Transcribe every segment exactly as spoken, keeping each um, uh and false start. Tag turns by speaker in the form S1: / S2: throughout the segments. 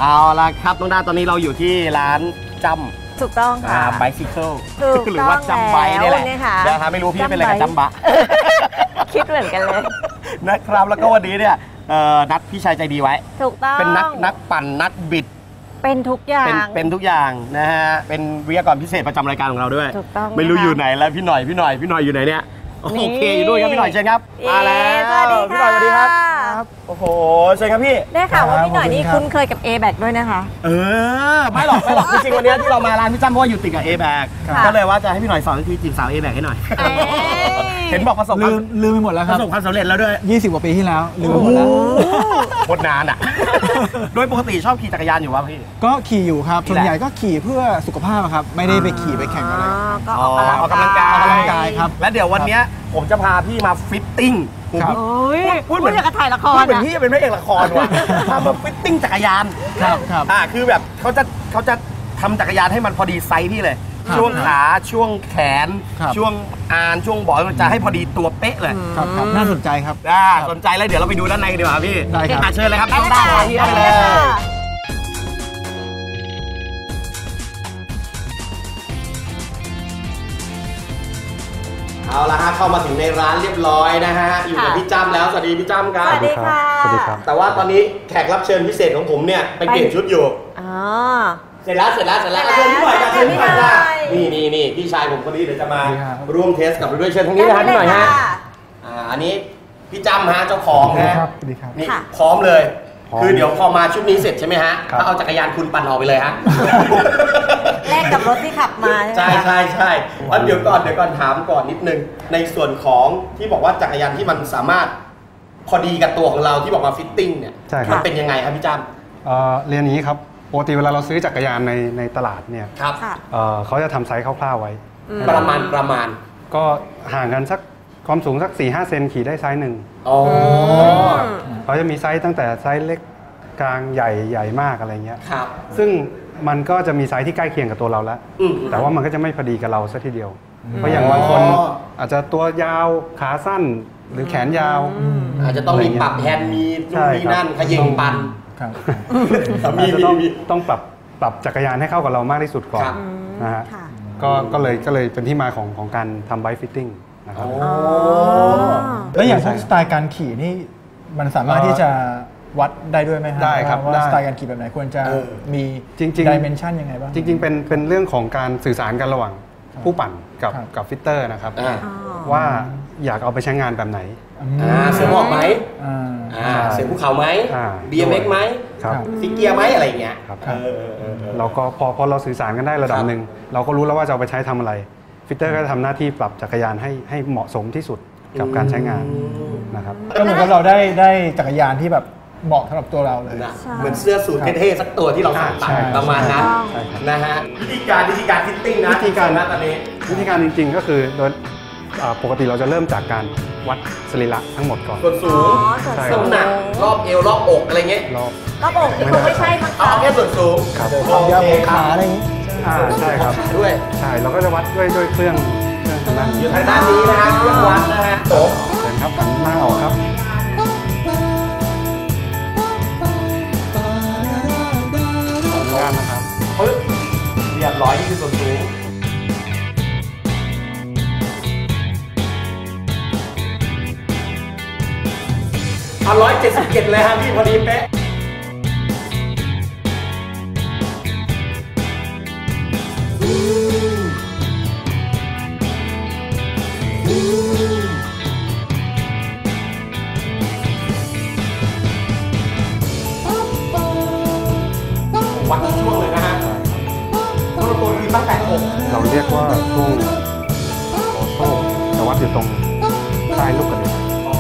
S1: เอาละครับน้องด้าตอนนี้เราอยู่ที่ร้านจำ
S2: ถูกต้องค่ะ
S1: ไบซิเคิลหรื
S2: อ
S1: ว่าจำไบนี่แหละ
S2: นะคะ
S1: ไม่รู้พี่เป็นอะไรกับจำบะ
S2: คิดเหมือนกันเลย
S1: นะครับแล้วก็วันนี้เนี่ยนัดพี่ชายใจดีไว้
S2: ถูกต้อง
S1: เป็นนักนักปั่นนักบิด
S2: เป็นทุกอย่าง
S1: เป็นเป็นทุกอย่างนะฮะเป็นวิทยากรพิเศษประจำรายการของเราด้วย
S2: ถูกต้อง
S1: ไม่รู้อยู่ไหนแล้วพี่หน่อยพี่หน่อยพี่หน่อยอยู่ไหนเนี่ยโอเคอยู่ด้วยครับพี่หน่อยเชิญครับ
S2: มาแล้ว
S1: พี่หน่อยสวัสดีครับโอ้โหเชิญครับพี่
S2: ได้ข่าวว่าพี่หน่อยนี่คุ้นเคยกับ A-Bag ด้วยนะคะ
S1: เออไม่หรอกไม่หรอกจริงๆวันนี้ที่เรามาร้านพี่จ้ำเพราะว่าอยู่ติดกับ A-Bag ก็เลยว่าจะให้พี่หน่อยสอนวิธีจีบสาว A-Bag ให้หน่อยเห็นบอกประสบ
S3: ลืมลืมไปหมดแล้วครับ
S1: ประสบความสำเร็จแล้วด้วย
S3: ยี่สิบกว่าปีที่แล้วลืมไปหมดแล้ว
S1: โคตรนานอ่ะโดยปกติชอบขี่จักรยานอยู่วะพี่
S3: ก็ขี่อยู่ครับส่วนใหญ่ก็ขี่เพื่อสุขภาพครับไม่ได้ไปขี่ไปแข่งอะไร
S2: ก็ออก
S1: กำลังกาย
S3: ออกกำลังกายครับ
S1: และเดี๋ยววันนี้ผมจะพาพี่มาฟิตติ้ง
S2: พูดเหมือนกับถ่ายละคร
S1: พูดเหมือนพี่เป็นพระเอกละครว่ะพามาฟิตติ้งจักรยาน
S3: ครับครับ
S1: อ่าคือแบบเขาจะเขาจะทำจักรยานให้มันพอดีไซส์พี่เลยช่วงขาช่วงแขนช่วงอานช่วงบอลมันจะให้พอดีตัวเป๊ะเลย
S3: ครับครับน่าสนใจครับ
S1: น่าสนใจแล้วเดี๋ยวเราไปดูด้านในดีกว่าพี่
S3: ได้ครับ
S1: เชิญเลยครับด้านหน้าที่ได้เลยเอาละฮะเข้ามาถึงในร้านเรียบร้อยนะฮะอยู่กับพี่จ้ำแล้วสวัสดีพี่จ้ำครับ
S2: สวัสดีค่ะ
S1: สวัสดีครับแต่ว่าตอนนี้แขกรับเชิญพิเศษของผมเนี่ยไปเปลี่ยนชุดอยู่
S2: อ๋อ
S1: เสร็จแล้วเสร็จแล้วเสร็จแล้วเชิญพี่หน่อยเชิญพี่หน่อยจ้านี่นี่นี่พี่ชายผมคนนี้เดี๋ยวจะมาร่วมเทสกับเราด้วยเชิญทั้งนี้นะครับพี่หน่อยฮะอ่าอันนี้พี่จ้ำฮะเจ้าของนะครับ
S3: สวัสดีครับ
S1: นี่พร้อมเลยคือเดี๋ยวพอมาชุดนี้เสร็จใช่ไหมฮะถ้าเอาจักรยานคุณปั่นออกไปเลยฮะ
S2: แลกกับรถที่ขับมา
S1: ใช่ใช่ใช่เดี๋ยวก่อนเดี๋ยวก่อนถามก่อนนิดนึงในส่วนของที่บอกว่าจักรยานที่มันสามารถพอดีกับตัวของเราที่บอกมาฟิตติ้งเนี่ยมันเป็นยังไงครับพี่จ้
S4: ำเรียนนี้ครับปกติเวลาเราซื้อจักรยานในในตลาดเนี่ย
S1: ครับ
S4: เขาจะทำไซส์คร่าวๆไว้
S1: ประมาณประมาณ
S4: ก็ห่างกันสักความสูงสัก สี่ห้า เซนขี่ได้ไซส์หนึ่ง
S1: อ๋อ
S4: เขาจะมีไซส์ตั้งแต่ไซส์เล็กกลางใหญ่ใหญ่มากอะไรเงี้ย
S1: ครับ
S4: ซึ่งมันก็จะมีไซส์ที่ใกล้เคียงกับตัวเราแล้วแต่ว่ามันก็จะไม่พอดีกับเราซะทีเดียวเพราะอย่างบางคนอาจจะตัวยาวขาสั้นหรือแขนยาว
S1: อาจจะต้องมีปรับแฮนด์มีนู่นนี่นั่นขยิงปั่น
S4: มีต้องต้องปรับปรับจักรยานให้เข้ากับเรามากที่สุดก่อนนะฮะก็ก็เลยก็เลยเป็นที่มาของของการทำไบค์ฟิตติ้งนะครับ
S3: แล้วอย่างพวกสไตล์การขี่นี่มันสามารถที่จะวัดได้ด้วยไหมครับ
S4: ได้ครับ
S3: ว่าสไตล์การขี่แบบไหนควรจะมี
S4: จริงๆ
S3: ดิเมนชันยังไงบ้าง
S4: จริงๆเป็นเป็นเรื่องของการสื่อสารกันระหว่างผู้ปั่นกับกับฟิตเตอร์นะครับว่าอยากเอาไปใช้งานแบบไหน
S1: เสียงออกไหมเสียงภูเขาไหม บี เอ็ม เอ็กซ์ ไหมฟิกเกียร์ไหมอะไรอย่างเงี้ย
S4: เราก็พอพอเราสื่อสารกันได้ระดับหนึ่งเราก็รู้แล้วว่าจะเอาไปใช้ทำอะไรฟิตเตอร์ก็จะทำหน้าที่ปรับจักรยานให้ให้เหมาะสมที่สุดกับการใช้งานนะครับ
S3: ก็เหมือนกับเราได้ได้จักรยานที่แบบเหมาะสำหรับตัวเราเลย
S1: เหมือนเสื้อสูทเท่ๆสักตัวที่เราใส่ประมาณนั้นนะฮะวิธีการวิธีการฟิตติ้งนะ
S4: วิธีการ
S1: นะตอนนี้
S4: วิธีการจริงๆก็คือโดยปกติเราจะเริ่มจากการวัดสรีระทั้งหมดก่อน
S1: ส่วนสูงน้ำหนักรอบเอวรอบอกอะไรเงี้ย
S4: รอบ
S2: รอบอกนี่คงไม่ใช่มั้ง
S1: เอาแค่ส่วนสูง
S4: ครับ
S3: ความยาวของขาอะไรอย่างงี้
S4: ใช่ครับ
S1: ด้วย
S4: ใช่เราก็จะวัดด้วยด้วยเครื่องเครื่องทางด้าน
S1: อยู่ทางด้านนี้นะฮะเครื่องวัดนะฮะโอ้
S4: เห็นครับหันหน้าออกครับงานนะครับ
S1: ปึ๊บเรียบร้อยนี่คือส่วนสูงเอาร้อยเจ็ดสิบเจ็ดเลยฮะพี่พอดีเป๊ะวัดช่วงเลยนะฮะตัวตัวคือตั้งแต่อก
S4: เราเรียกว่าช่วงโอโซ่แต่วัดอยู่ตรงใต้ลูกกระเด็น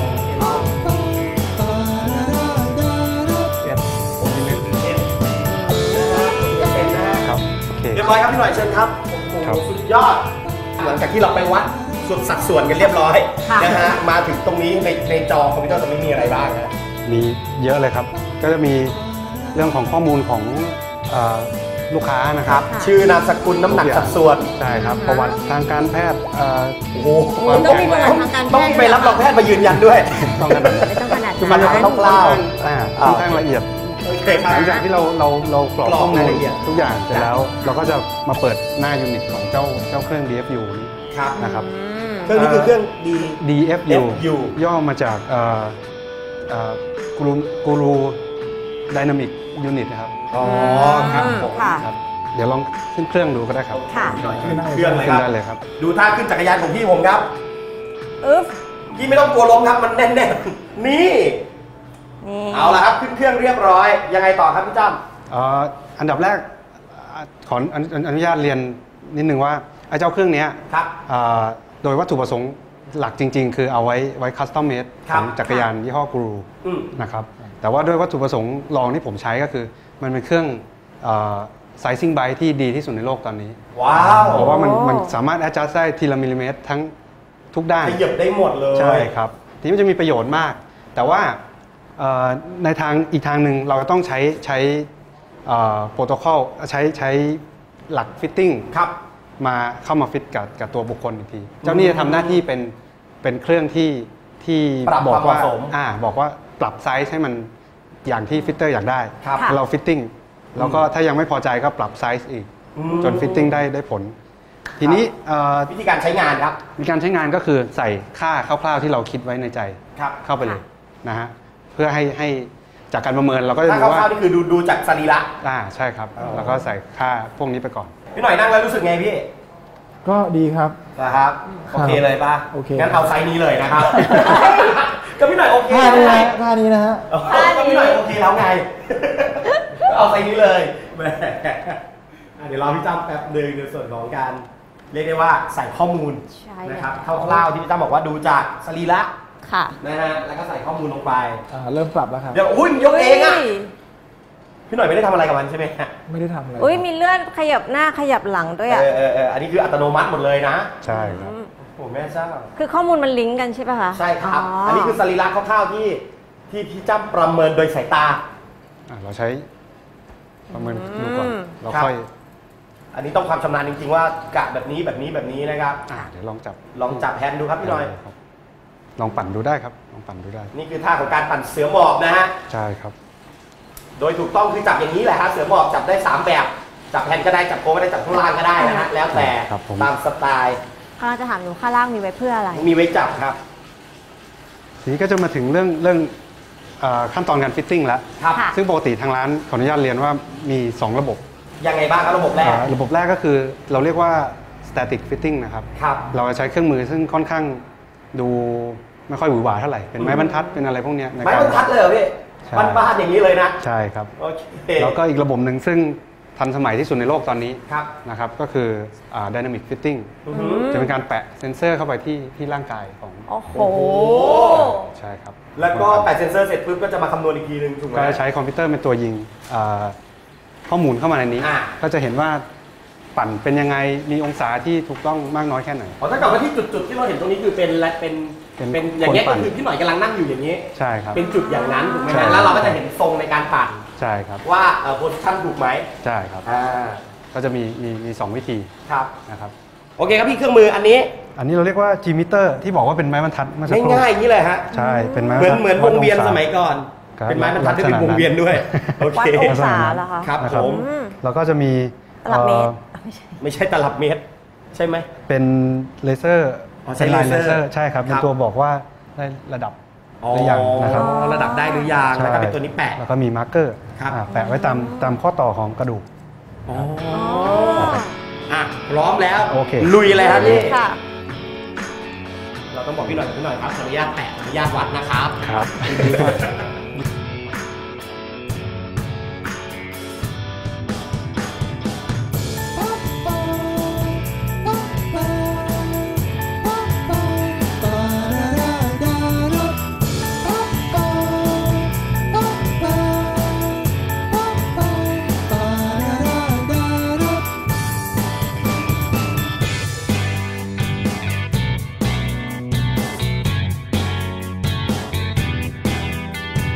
S1: เรียบร้อยครับพี่หน่อยเชิญครับโอ้โหสุดยอดหลังจากที่เราไปวัดส่วนสัดส่วนกันเรียบร้อยนะฮะมาถึงตรงนี้ในในจอคอมพิวเตอร์ตรงนี้มีอะไรบ้างฮะ
S4: มีเยอะเลยครับก็จะมีเรื่องของข้อมูลของลูกค้านะครับ
S1: ชื่อนามสกุลน้ำหนักสัดส่วน
S4: ใช่ครับประวัติทางการแพทย์
S1: โอ้โห
S2: ต้องมีประวัติทางการแพทย์
S1: ต้องไปรับรองแพทย์มายืนยันด้วย
S4: ต้องขนาด
S2: ไม่ต้องขนาด
S1: มันต้องเล่า
S4: ค่อนข้างละเอียด
S1: โอเคครับ
S4: หลังจากที่เราเราเรากรอก
S1: กรอก
S4: ข้อมู
S1: ราย
S4: ล
S1: ละเอียด
S4: ทุกอย่างเสร็จแล้ว เราก็จะมาเปิดหน้ายูนิตของเจ้าเจ้าเครื่อง ดี เอฟ ยู นี้
S1: ครับ
S4: นะครับ
S1: เครื่องนี้คือเครื่องดี
S4: ดี เอฟ ยู
S1: เอฟ ยู
S4: ย่อมาจากเอ่อเอ่อกูรูกูรูไดนามิกยูนิตนะครับ
S1: อ๋อครับผม
S2: ค่ะ
S4: ครับ เดี๋ยวลองขึ้นเครื่องดูก็ได้ครับ
S2: ค่ะ
S1: หน่อยขึ้นเครื่องเลย
S4: ขึ้
S1: คน รับ
S4: ได้เลยครับ
S1: ดูท่าขึ้นจักรยานของพี่ผมครับ
S2: อึ๊บ
S1: พี่ไม่ต้องกลัวล้มครับมันแน่นๆนี่
S2: นี่
S1: เอาละครับขึ้นเครื่องเรียบร้อยยังไงต่อครับพี่จ้ำ
S4: เอ่ออันดับแรกอ่าขออนุอนุญาตเรียนนิดนึงว่าไอ้เจ้าเครื่องเนี้ย
S1: ครับ
S4: อ่าโดยวัตถุประสงค์หลักจริง ๆ คือเอาไวไว้คัสตอมเมด
S1: ค
S4: ข
S1: รับ
S4: องจักรยานยี่ห้อกรู
S1: อืม
S4: นะครับแต่ว่าด้วยวัตถุประสงค์รองที่ผมใช้ก็คือ มันเป็นเครื่องไซซิ่งไบที่ดีที่สุดในโลกตอนนี้
S1: ว้าว
S4: เพราะว่ามันมันสามารถ adjust ได้ทีละมิลลิเมตรทั้งทุกด้าน
S1: ขยับได้หมดเลย
S4: ใช่ครับทีนี้มันจะมีประโยชน์มาก แต่ว่าเอ่อในทางอีกทางหนึ่งเราต้องใช้ใช้โปรโตคอลใช้ใช้หลักฟิตติ้ง
S1: ครับ
S4: มาเข้ามาฟิตกับกับตัวบุคคลอีกที เจ้านี่จะทำหน้าที่เป็นเป็นเครื่องที่ที่
S1: ปรับ
S4: บอกว่า
S1: ความเหมาะสม
S4: อ่าบอกว่าปรับไซส์ให้มันอย่างที่ฟิตเตอร์อยากได้
S1: ครับ
S2: ค่ะ
S4: เราฟิตติ้งแล้วก็ถ้ายังไม่พอใจก็ปรับไซส์อีก
S1: อืม
S4: จนฟิตติ้งได้ได้ผล ทีนี้เอ่อ
S1: วิธีการใช้งานครับ
S4: มีการใช้งานก็คือใส่ค่าคร่าวๆที่เราคิดไว้ในใจ
S1: ครับ
S4: เข้าไปเลยนะฮะเพื่อให้ให้จากการประเมินเราก็จะ
S1: ถ้า
S4: ดู
S1: ค
S4: ว่า
S1: ร่าวๆนี่คือดูดูจากสรีระ
S4: อ่าใช่ครับ
S1: อ๋อ
S4: แล้วก็ใส่ค่าพวกนี้ไปก่อน
S1: พี่หน่อยนั่งแล้วรู้สึกไงพี่
S3: ก็ดีครับ
S1: นะครับ โอเคเลยป่ะ
S3: โอเค
S1: งั้นเอาไซส์นี้เลยนะครับ ก็พี่หน่อยโอเค
S3: ท่านี้
S1: ไง
S3: นะท่านี้นะฮะ
S1: ก็พี่หน่อยโอเคแล้วไง ก็เอาไซส์นี้เลยแหมอ่ะเดี๋ยวรอพี่จ้ำแป๊บหนึงในส่วนของการเรียกได้ว่าใส่ข้อมูล
S2: ใช่
S1: นะครับคร่าวๆที่พี่จ้ำบอกว่าดูจากสรีระ
S2: ค่ะ
S1: นะฮะแล้วก็ใส่ข้อมูลลงไป
S3: อ่าเริ่มปรับแล้วครับ
S1: เดี๋ยวอุ้ยยกเองอ่ะพี่หน่อยไม่ได้ทำอะไรกับมันใช่ไหมฮะ
S3: ไม่ได้ทำอะไร
S2: อุ้ยมีเลื่อนขยับหน้าขยับหลังด้วยอ่ะ
S1: เออเออเอออันนี้คืออัตโนมัติหมดเลยนะ
S4: ใช่ครับ
S1: โอ้แม่เจ้า
S2: คือข้อมูลมันลิงก์กันใช่ป่ะคะ
S1: ใช่ครับ อันนี้คือสรีระคร่าวๆที่ที่พี่จ้ำประเมินโดยสายตา
S4: อ่ะเราใช้ประเมินดูก่อนเรา
S1: ครับ
S4: ค่อย
S1: อันนี้ต้องความชำนาญจริงๆว่ากะแบบนี้แบบนี้แบบนี้นะครับ
S4: อ่ะเดี๋ยวลองจับ
S1: ลองจับแฮนด์ดูครับพี่หน่อย
S4: ครับลองปั่นดูได้ครับลองปั่นดูได้
S1: นี่คือท่าของการปั่นเสือหมอบนะฮะ
S4: ใช่ครับ
S1: โดยถูกต้องคือจับอย่างนี้แหละฮะเสือหมอบจับได้สามแบบ จับแฮนด์ก็ได้จับโค้งก็ได้จับข้างล่างก็ได้นะฮะแล้วแต่
S4: ครับผม
S1: ตามสไตล์
S2: ข้างจะถามอยู่ข้างล่างมีไว้เพื่ออะไร
S1: มีไว้จับครับ
S4: ทีนี้ก็จะมาถึงเรื่องเรื่องเอ่อขั้นตอนการฟิตติ้งแล้ว
S1: ครับ
S2: ค่ะ
S4: ซึ่งปกติทางร้านขออนุญาตเรียนว่ามี สอง ระบบ
S1: ยังไงบ้างครับระบบแรก
S4: เอ่อระบบแรกก็คือเราเรียกว่า static fitting นะครับ
S1: ครับ
S4: เราจะใช้เครื่องมือซึ่งค่อนข้างดูไม่ค่อยหวือหวาเท่าไหร่ เป็นไม้บรรทัดเป็นอะไรพวกเนี้ยใน
S1: ไม้
S4: การ
S1: บรรทัดเลยเหรอพี่
S4: ใช่
S1: บ้านๆอย่างนี้เลยนะ
S4: ใช่ครับ
S1: โอเค
S4: แล้วก็อีกระบบหนึ่งซึ่งทันสมัยที่สุดในโลกตอนนี้
S1: ครับ
S4: นะครับก็คืออ่า dynamic fitting
S1: อือหือ
S4: จะเป็นการแปะเซ็นเซอร์เข้าไปที่ที่ร่างกายของ
S2: โอ้โห
S1: โอ้โห
S4: ใช่ครับ
S1: แล้วก็แปะเซนเซอร์เสร็จปุ๊บก็จะมาคำนวณอีกทีหนึงถูกไหม
S4: ก็จะใช้คอมพิวเตอร์เป็นตัวยิงอ่าข้อมูลเข้ามาในนี้
S1: อ่า
S4: ก็จะเห็นว่าปั่นเป็นยังไงมีองศาที่ถูกต้องมากน้อยแค่ไหน
S1: อ๋อถ้าเกิดว่าที่จุดๆที่เราเห็นตรงนี้คือเป็นและเป็น
S4: เป็น
S1: เป็นอย่างเงี้ย
S4: คนปั่
S1: ก็
S4: น
S1: คือพี่หน่อยกำลังนั่งอยู่อย่างนี้
S4: ใช่ครับ
S1: เป็นจุดอย่างนั้นถูกไหม
S4: ใช่
S1: ฮะแล้วเราก็จะเห็นทรงในการปั่น
S4: ใช่ครับ
S1: ว่าเอ่อโพสิชันถูกไหม
S4: ใช่ครับ
S1: อ่า
S4: ก็จะมีมีมีสองวิธี
S1: ครับ
S4: นะครับ
S1: โอเคครับพี่เครื่องมืออันนี้
S4: อันนี้เราเรียกว่า G meter ที่บอกว่าเป็นไม้บรรทัดเมื่อสักครู่
S1: ง่ายๆอย่างนี้เลยฮะ
S4: ใช่เป็นไม้บร
S1: เหมื
S4: ร
S1: อน
S4: ทัด
S1: เหมือนวงเวียน
S4: ดศา
S1: สมัยก่อน
S4: ครับ
S1: เป็นไม้บรรทัดที่เป็น
S4: ลักษณะ
S1: วงเวียนด้วยโอ
S2: วั
S1: เค
S2: ดองศาเหรอคะ
S1: ครับ
S4: นะ
S1: ผม
S2: อืม
S4: แล้วก็จะมี
S2: ตลับเมตร
S4: อ่อ
S2: ไม่ใช่
S1: ไม่ใช่ตลับเมตร ใช่ไหม
S4: เป็นเลเซอร์
S1: อ๋อใช้
S4: เป็นลาย
S1: เล
S4: เล
S1: เซ
S4: เซ
S1: อ
S4: อ
S1: ร์
S4: ร์ใช่ครับ เป็น
S1: ครับ
S4: ตัวบอกว่าได้ระดับ
S1: อ๋อ
S4: หรือยังนะครับ
S1: ระดับได้หรือยังแล้วก็เป็นตัวนี้แปะ
S4: แล้วก็มีมาร์กเกอร์
S1: ครับ
S4: แปะไว้ตามตามข้อต่อของกระดูก
S1: อ๋อ
S2: อ๋อ
S1: อ่ะพร้อมแล้ว
S4: โอเค
S1: ลุยเลยครับพี่
S2: ค่ะ
S1: เราต้องบอกพี่หน่อยพี่หน่อยครับขออนุญาตแปะขออนุญาตวัดนะครับ
S4: ครับ
S5: 「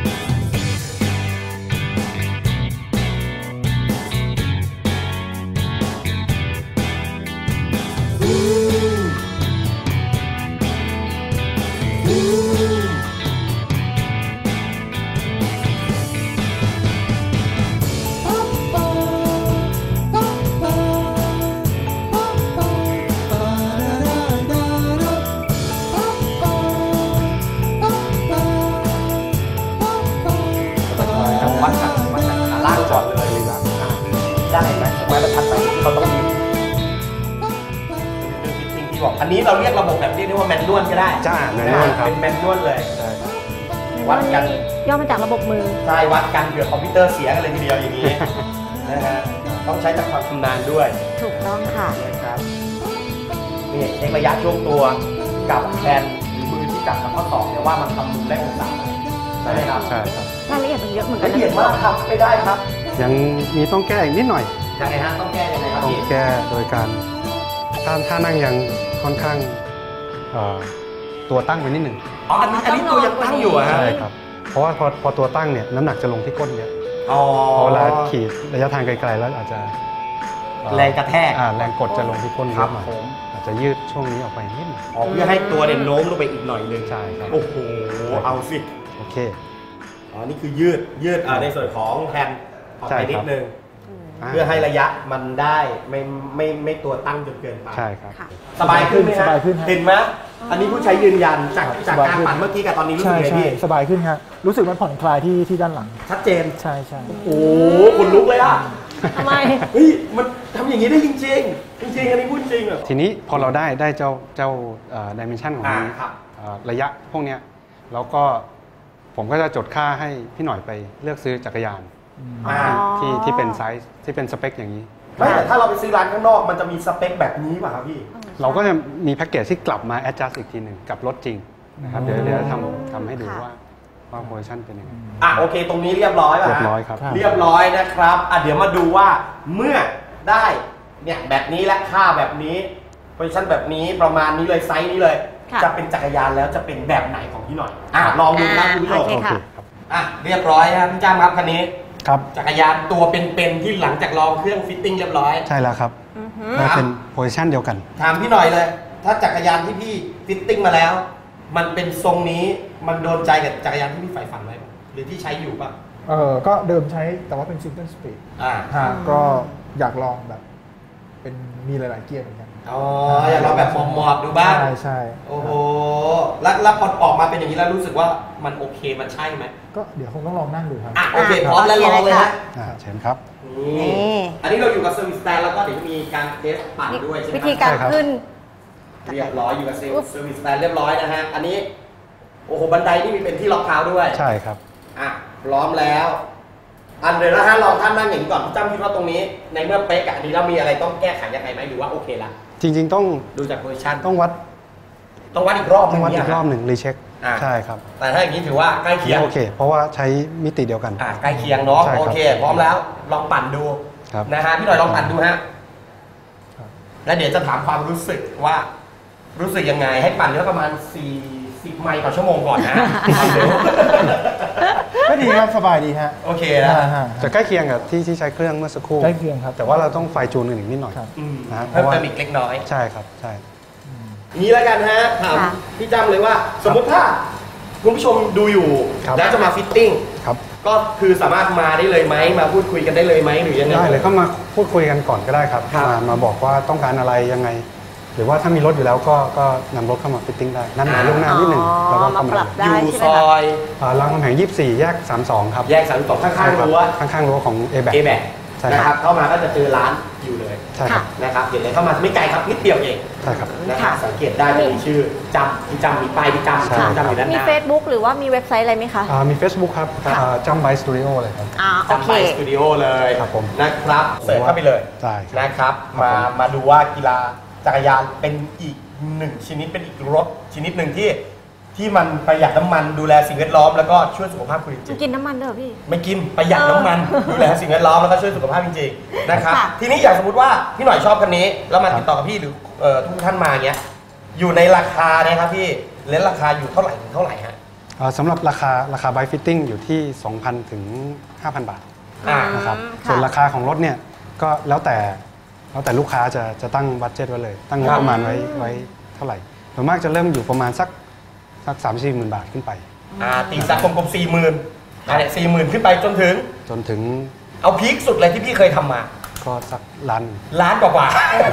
S1: นี้เราเรียกระบบแบบเรียกได้ว่าแมนนวลก็ได้
S4: จ้าแมนนวลครับ
S1: เป็นแมนนวลเลย
S4: ใช่
S1: วัดกัน
S2: ย่อมาจากระบบมือ
S1: ใช่วัดกันเผื่อคอมพิวเตอร์เสียกันเลยทีเดียวอย่างนี้ นะฮะต้องใช้จากความชำนาญด้วย
S2: ถูกต้องค่ะ
S1: นะครับนี่เช็คระยะช่วงตัวกับแขนหรือมือที่จับกับข้อศอกเนี่ยว่ามันทำมุมได้องศาใช่ไหมครับ
S4: ใช่ครับ
S2: รายละเอียดมันเยอะเหมือนกัน
S1: ละ
S2: นะ
S1: เอียดมากครับไม่ได้ครับ
S4: ยังมีต้องแก้อีกนิดหน่อย
S1: ยังไงฮะต้องแก้ยังไงครับ
S4: ต้อง
S1: พี่
S4: แก้โดยการถ้าถ้านั่งยังค่อนข้างเอ่อตัวตั้งไปนิดหนึ่ง
S1: อ๋ออันนี้อันนี้ตัวยังตั้งอยู่อะฮะ
S4: ใช่ครับ เพราะว่าพอพอตัวตั้งเนี่ยน้ำหนักจะลงที่ก้นเยอะ
S1: อ๋อ
S4: พอเวลาขี่ระยะทางไกลๆแล้วอาจจะเอ่อ
S1: แรงกระแทก
S4: อ่าแรงกดจะลงที่ก้นเย
S1: ครับ
S4: อะหน่อย
S1: ผม
S4: อาจจะยืดช่วงนี้ออกไปนิดหนึง
S1: อ๋อเพื่อให้ตัวเนี่ยโน้มลงไปอีกหน่อยนึง
S4: ใช่ครับ
S1: โอ้โหเอาสิ
S4: โอเค
S1: อ๋อนี่คือยืดยืดอ่าในส่วนของแฮนด์ออก
S4: ใช่
S1: ไป
S4: ครับ
S1: นิดนึง
S4: า
S1: เพื่อให้ระยะมันได้ไม่ไม่ไม่ตัวตั้งจนเกินไป
S4: ใช่ครับ
S2: ค่ะ
S1: สบายขึ้นไหมฮะ
S3: สบายขึ้นฮะ
S1: เห็นไหมอันนี้ผู้ใช้ยืนยันจาก
S3: ครับ
S1: จาก
S3: สบาย
S1: การ
S3: ขึ้น
S1: ปั่นเมื่อกี้กับตอนนี้รู้สึ
S3: ใช่
S1: กไง
S3: ใช่
S1: พี่
S3: สบายขึ้นครับรู้สึกมันผ่อนคลายที่ที่ด้านหลัง
S1: ชัดเจน
S3: ใช่ใช่
S1: โอ้โหคนลุกเลยอ่ะ
S2: ทำไม
S1: เฮ้ยมันทำอย่างนี้ได้จริงจริงๆจริงๆอันนี้พูดจริงอ่ะ
S4: ทีนี้พอเราได้ได้เจ้าเจ้าดิเมนชันของ
S1: อ่าครับ
S4: เอ่อระยะพวกเนี้ยแล้วก็ผมก็จะจดค่าให้พี่หน่อยไปเลือกซื้อจักรยาน
S1: อ่า
S4: ที่ที่เป็นไซส์ที่เป็นสเปคอย่างนี้
S1: ไม่แต่ถ้าเราไปซื้อร้านข้างนอกมันจะมีสเปคแบบนี้ป่ะครับพี่
S4: เราก็จะมีแพ็กเกจที่กลับมา adjust อีกทีหนึ่งกับรถจริงนะครับเดี๋ยวเดี๋ยวทำทำให้ดู
S2: ค่ะ
S4: ว่าว่าโพซิชันเป็นยังไง
S1: อ่ะโอเค ตรงนี้เรียบร้อยป่ะ
S4: เรีย
S1: ฮะ
S4: บร้อยครับ
S1: เรียบร้อยนะครับอ่ะเดี๋ยวมาดูว่าเมื่อได้เนี่ยแบบนี้และค่าแบบนี้โพซิชันแบบนี้ประมาณนี้เลยไซส์นี้เลย
S2: ค่ะ
S1: จะเป็นจักรยานแล้วจะเป็นแบบไหนของพี่หน่อยอ่ะลองดูครับคุณผู้ชม
S2: โอเคค่ะ
S4: ครับ
S1: อ่ะเรียบร้อยครับพี่จ้ามครับคันนี้
S3: ครับ
S1: จักรยานตัวเป็นๆที่หลังจากลองเครื่องฟิตติ้งเรียบร้อย
S4: ใช่แล้วครับ
S2: อือหือ
S4: ได้เป็นโพซิชันเดียวกัน
S1: ถามพี่หน่อยเลย ถ้าจักรยานที่พี่ฟิตติ้งมาแล้ว มันเป็นทรงนี้มันโดนใจกับจักรยานที่พี่ใฝ่ฝันไว้ปะหรือที่ใช้อยู่ป่ะ
S3: เออก็เดิมใช้แต่ว่าเป็นซิงเกิลสปีด
S1: อ่า
S3: ฮะก็อยากลองแบบเป็นมีหลาย ๆ เกียร์เหมือนกัน
S1: อ๋ออยากลองแบบหมอบๆดูบ้าง
S3: ใช่ใช่
S1: โอ้โหแล้วแล้วพอออกมาเป็นอย่างนี้แล้วรู้สึกว่ามันโอเคมันใช่ไหม
S3: ก็เดี๋ยวคงต้องลองนั่งดูครับ
S1: อ่ะโอเคพร้อมแล้วลองเลยฮะ
S4: อ่าเชิญครับ
S1: นี่อันนี้เราอยู่กับเซอร์วิสแตนแล้วก็เดี๋ยวมีการเทสปั่นด้วยใช่ไหม
S2: วิธีการ
S4: ใช่ครับ
S2: ขึ้น
S1: เรียบร้อยอยู่กับเซอร์วิสแตนเรียบร้อยนะฮะอันนี้โอ้โหบันไดนี่มีเป็นที่ล็อกเท้าด้วย
S4: ใช่ครับ
S1: อ่ะพร้อมแล้ว อันเดี๋ยวนะฮะลองท่านนั่งอย่างนี้ก่อนพี่จ้ำคิดว่าตรงนี้ ในเมื่อเป๊กอะอันนี้เรามีอะไรต้องแก้ไขยังไงไหมหรือว่าโอเคละ
S4: จริง ๆ ต้อง
S1: ดูจากโพซิชัน
S4: ต้องวัด
S1: ต้องวัดอีกรอบ
S4: ต้องวัด
S1: นึ
S4: อี
S1: ง
S4: กรอบ
S1: เนี่ย
S4: หนึ่งรีเช็ค
S1: อ่า
S4: ใช่ครับ
S1: แต่ถ้าอย่างนี้ถือว่าใกล้เคียง
S4: โอเค เพราะว่าใช้มิติเดียวกัน
S1: อ่ะใกล้เคียงเนาะ
S4: ใช่ครับ
S1: โอเค พร้อมแล้วลองปั่นดู
S4: ครับ
S1: นะฮะพี่หน่อยลองปั่นดูฮะ
S3: ครับ
S1: แล้วเดี๋ยวจะถามความรู้สึกว่า รู้สึกยังไงให้ปั่นเยอะประมาณสี่สิบไมล์ต่อชั่วโมงก่อนนะปั่นเร็ว
S3: ก็ดีครับสบายดีฮะ
S1: โอเคนะ
S3: อ่าฮะ
S4: จะใกล้เคียงกับที่ที่ใช้เครื่องเมื่อสักครู่
S3: ใกล้เคียงครับ
S4: แต่ว่าเราต้องไฟจูนกันอีกนิดหน่อย
S3: ครับ
S1: อืม
S4: นะฮะ
S1: เพิ่ม
S4: เพราะว่า
S1: เติมอีกเล็กน้อย
S4: ใช่ครับใช่
S1: นี้แล้วกันฮะถาม
S2: ค่ะ
S1: พี่จ้ำเลยว่า สมมติถ้าคุณผู้ชมดูอยู่
S4: ครับ
S1: แล้วจะมาฟิตติ้ง
S4: ครับ
S1: ก็คือสามารถมาได้เลยไหมมาพูดคุยกันได้เลยไหมหรือยังไง
S4: ได้เลยก็มาพูดคุยกันก่อนก็ได้ครับ
S1: ครับ
S4: มามาบอกว่าต้องการอะไรยังไง หรือว่าถ้ามีรถอยู่แล้วก็ก็นำรถเข้ามาฟิตติ้งได้นัดหมายล่วงหน้านิดหนึ่ง
S2: อ๋อ
S4: แล้วก็เข้า
S2: มา
S4: มา
S2: ปรับได้
S1: อยู่
S2: ใช่ไหม
S1: ซ
S2: คะ
S1: อย
S4: อ่ารามคำแหงยี่สิบสี่แยกสามสิบสองครับ
S1: แยกสามสองข้างๆรั้ว
S4: ข้างๆรั้วของ A แบ
S1: เอแบก
S4: ใช่
S1: นะ
S4: ค
S1: ค
S4: รั
S1: รับ บเข้ามาก็จะเจอร้านอยู่เลย
S4: ใช่ครับ
S1: นะครับเดี๋ยวเลยเข้ามาไม่ไกลครับนิดเดียวเอง
S4: ใช่ครับ
S1: นะครับสังเกตได้จะมีชื่อจำพี่จำมีป้ายพี่จำ
S4: ใช่
S1: พี่จำอยู่ด้านห
S2: มี
S1: น้า
S2: Facebook หรือว่ามีเว็บไซต์อะไรไหมคะ
S4: อ่ามี Facebook ครับ
S2: ค่ะ
S4: จัมไบสตูดิโอเลยครับ
S2: อ่าโอ
S1: จำ
S2: เค
S1: ไปสตูดิโอเลย
S4: ครับผม
S1: นะครับเสิร์ชเข้าไปเลย
S4: ใช่ครับ
S1: นะครับ
S4: ครับ
S1: มา
S4: ผม
S1: มาดูว่ากีฬาจักรยานเป็นอีกหนึ่งชนิดเป็นอีกรถชนิดหนึ่งที่ที่มันประหยัดน้ำมันดูแลสิ่งแวดล้อมแล้วก็ช่วยสุขภาพคุณจ
S2: มั
S1: ริ
S2: น
S1: ง
S2: กินน้ำมันด้วยเหรอพี่
S1: ๆไม่กินประหยัดน้ำมันดูแลสิ่งแวดล้อมแล้วก็ช่วยสุขภาพจริงๆนะครับ
S2: ค่ะ
S1: ทีนี้อย่างสมมติว่าพี่หน่อยชอบคันนี้แล้วมาติดต่อกับพี่หรือเอ่อทุกท่านมาเงี้ยอยู่ในราคาเนี่ยครับพี่เลนส์ราคาอยู่เท่าไหร่ถึงเท่าไหร่ฮะ
S4: อ่าสำหรับราคาราคาไบฟิตติ้งอยู่ที่ สองพัน ถึง ห้าพัน บาท
S1: อ่า
S4: นะครับ
S2: อืมค่ะ
S4: ส่วนราคาของรถเนี่ยก็แล้วแต่แล้วแต่ลูกค้าจะจะตั้งบัตเจ็ตไว้เลย ตั้งงบประมาณไว้ไว้เท่าไหร่ส่วนมากจะเริ่มอยู่ประมาณสักสักสามสี่หมื่นบาทขึ้นไป
S1: อ่าตีสักกลมๆสี่หมื่นอะไรสี่หมื่นขึ้นไปจนถึง
S4: จนถึง
S1: เอาพีคสุดเลยที่พี่เคยทำมา
S4: ก็สักล้าน
S1: ล้านกว่า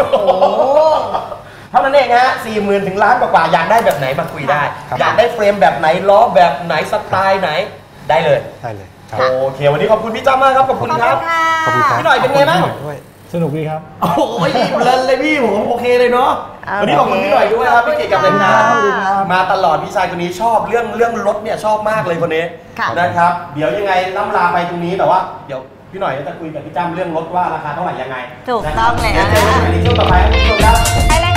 S1: ๆเท่านั้นเองฮะสี่หมื่นถึงล้านกว่าๆอยากได้แบบไหนมาคุยได้
S4: ครับ
S1: อยากได้เฟรมแบบไหนล้อแบบไหนสไตล์ไหนได้เลย
S4: ได้เลยครับ
S1: โอเค วันนี้ขอบคุณพี่จ้ามากครับ ขอบคุณครับ
S2: ค่ะ
S4: ขอบคุณครับ
S1: พี่หน่อยเป็นไงบ้าง
S4: ขอบคุณพี่หน่อยด้วย
S3: สนุกดีครับ
S1: โอ้ยเพลินเลยพี่ผมโอเคเลยเนาะวันนี้ขอบคุณพี่หน่อยด้วยครับพี่เก๋กับเลยนะมาตลอดพี่ชายคนนี้ชอบเรื่องเรื่องรถเนี่ยชอบมากเลยคนนี้นะครับเดี๋ยวยังไงล่ำลาไปตรงนี้แต่ว่าเดี๋ยวพี่หน่อยจะคุยกับพี่จ้ำเรื่องรถว่าราคาเท่าไหร่ยังไง
S2: ถูกต้องเลย
S1: เดี๋ยว
S2: นะ
S1: เจอกันในช่วงต่อไปครับคุณผู้ชมครับ
S2: ไปเลย